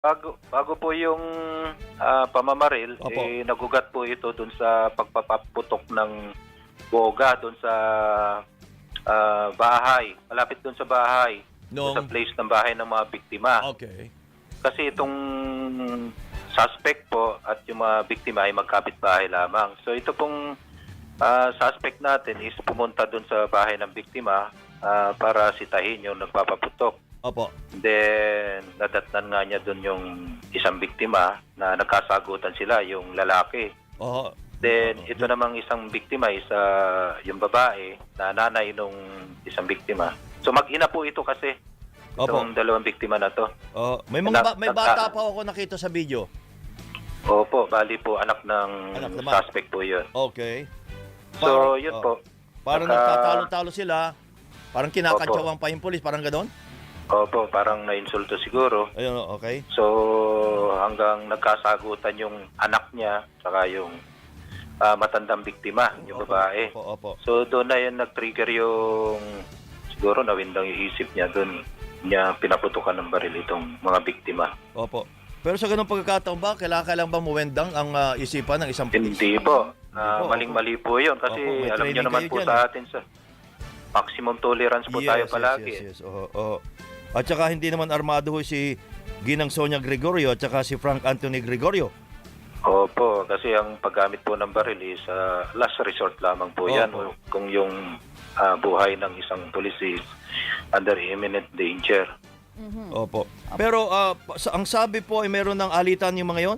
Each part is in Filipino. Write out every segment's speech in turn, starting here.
Bago po yung pamamaril, Opo. nagugat po ito dun sa pagpapaputok ng boga dun sa bahay. Malapit dun sa bahay. Dun sa place ng bahay ng mga biktima. Okay. Kasi itong suspect po at yung mga biktima ay magkapit-bahay lamang. So ito pong suspect natin is pumunta dun sa bahay ng biktima para sitahin yung nagpapaputok. Opo. Then, nadatnan nga niya doon yung isang biktima na nagkasagutan sila, yung lalaki. Oo. Then, ito namang isang biktima is yung babae na nanay nung isang biktima. So, mag-ina po ito kasi. Opo. Itong dalawang biktima na to. May may bata pa ako nakita sa video. Opo, bali po anak ng Anak naman. suspect po yun. Okay. So, yun po. Parang nagtatalo-talo sila. Parang kinakatsawang pa yung pulis, parang ganon? Opo, parang na-insulto siguro. Ayun, okay. So, hanggang nagkasagutan yung anak niya saka yung matandang biktima, yung babae. Opo. So, doon na yun nag-trigger yung siguro nawindang yung isip niya doon niya pinaputukan ng baril itong mga biktima. Opo. Pero sa ganung pagkakataon ba, kailangan ba muwendang ang isipan ng isang pulis? Hindi po. Maling-mali po yun kasi may alam niyo training naman kayo po dyan, sa atin sa maximum tolerance po tayo palagi. Yes. Oo. At saka hindi naman armado ho si Ginang Sonia Gregorio at saka si Frank Anthony Gregorio. Opo, kasi ang paggamit po ng baril is last resort lamang po yan. Kung yung buhay ng isang pulis is under imminent danger. Opo. Pero ang sabi po ay meron ng alitan yung mga yon?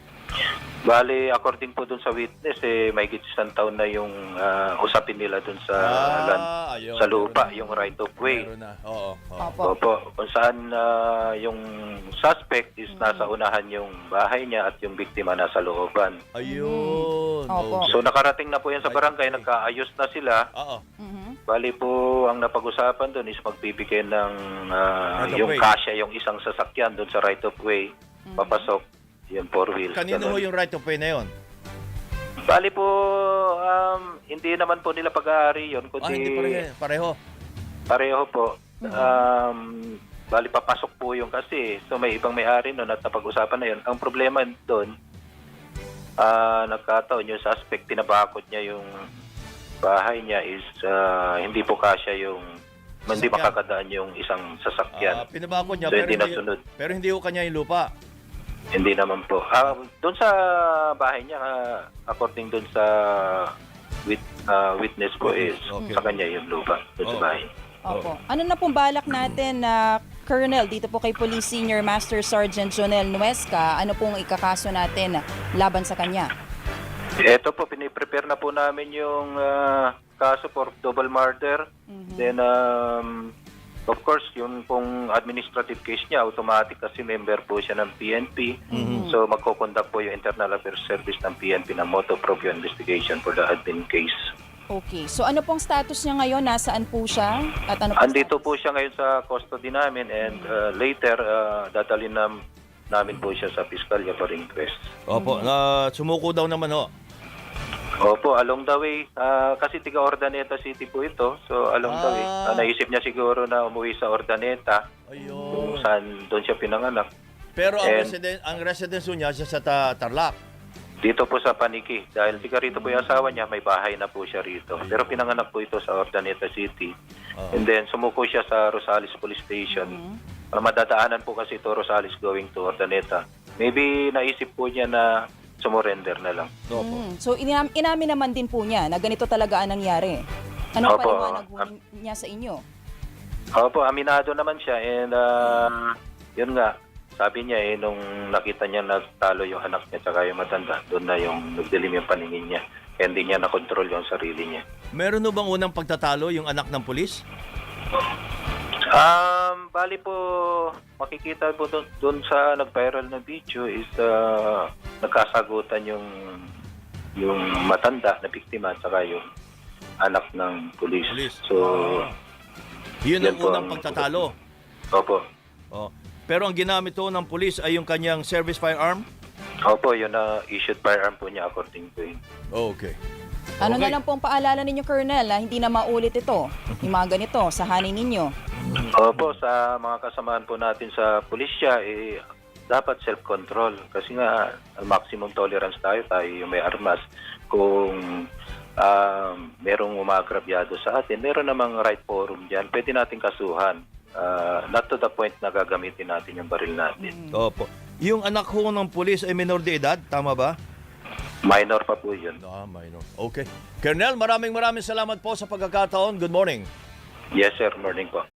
Bali, according po dun sa witness, may isang taon na yung usapin nila dun sa sa lupa, yung right of way. Meron na. Oo. Opo. Kung saan yung suspect is nasa unahan yung bahay niya at yung biktima nasa looban. Ayun. Opo. So nakarating na po yan sa barangay, nagkaayos na sila. Oo. Bali po, ang napag-usapan doon is magbibigay ng yung way. kasya, yung isang sasakyan doon sa right of way, papasok, yung four wheels. Kanino ho yung right of way na yon? Bali po, hindi naman po nila pag-aari yun, kundi Hindi pareho. pareho po. Bali papasok po yung kasi, so may ibang may-ari noon at napag-usapan na yun. Ang problema doon, nagkataon yung suspect, tinabakot niya yung bahay niya is hindi po kasya yung hindi makakadaan yung isang sasakyan. Pinabakod niya So, hindi nasunod. pero hindi ho kanya yung lupa. Hindi naman po. Doon sa bahay niya, according doon sa witness po is sa kanya yung lupa doon sa bahay. Opo. Ano na pong balak natin na Colonel, dito po kay Police Senior Master Sergeant Jonel Nuesca, ano pong ikakaso natin laban sa kanya? Ito po, piniprepare na po namin yung kaso for double murder. Then, of course, yung pong administrative case niya, automatic kasi member po siya ng PNP. So, magkoconduct po yung Internal Affairs Service ng PNP ng motu proprio investigation for the admin case. Okay. So ano pong status niya ngayon? Nasaan po siya? At ano Andito po siya ngayon sa custody namin and later, dadalhin namin po siya sa piskalya for inquest. Opo. Sumuko daw naman ho. Opo, along the way, kasi tiga Ordaneta City po ito. So along the way, naisip niya siguro na umuwi sa Ordaneta. Ayun. Kung saan doon siya pinanganak. Pero ang residence niya sa Tarlac. Dito po sa Paniki. Dahil tiga rito po yung asawa niya, may bahay na po siya rito. Pero pinanganak po ito sa Ordaneta City. And then sumuko siya sa Rosales Police Station. Madadaanan po kasi ito Rosales going to Ordaneta. Maybe naisip po niya na sumurrender na lang. So inamin naman din po niya na ganito talaga ang nangyari. Anong Opo. paliwanag niya sa inyo? Opo, aminado naman siya. And yun nga, sabi niya nung nakita niya natalo yung anak niya tsaka yung matanda, doon na yung nagdilim yung paningin niya. Kaya hindi niya nakontrol yung sarili niya. Meron no bang unang pagtatalo yung anak ng pulis? Bali po, makikita po doon sa nag-viral na video is nagkasagutan yung matanda na biktima at saka yung anak ng pulis. So, yun ang unang pagtatalo. Opo. Pero ang ginamit to ng pulis ay yung kanyang service firearm? Opo, yun na issued firearm po niya according to him. Okay. Ano na lang pong paalala ninyo, Colonel, hindi na maulit ito, yung mga ganito, sa hanin ninyo? Opo, sa mga kasamahan po natin sa pulisya, dapat self-control. Kasi nga, maximum tolerance tayo yung may armas. Kung merong umagrabyado sa atin, meron namang right forum dyan, pwede natin kasuhan. Not to the point na gagamitin natin yung baril natin. Opo. Yung anak ho ng pulis ay minor de edad, tama ba? Minor pa po yun. Minor. Okay. Colonel, maraming salamat po sa pagkakataon. Good morning. Yes, sir. Morning po.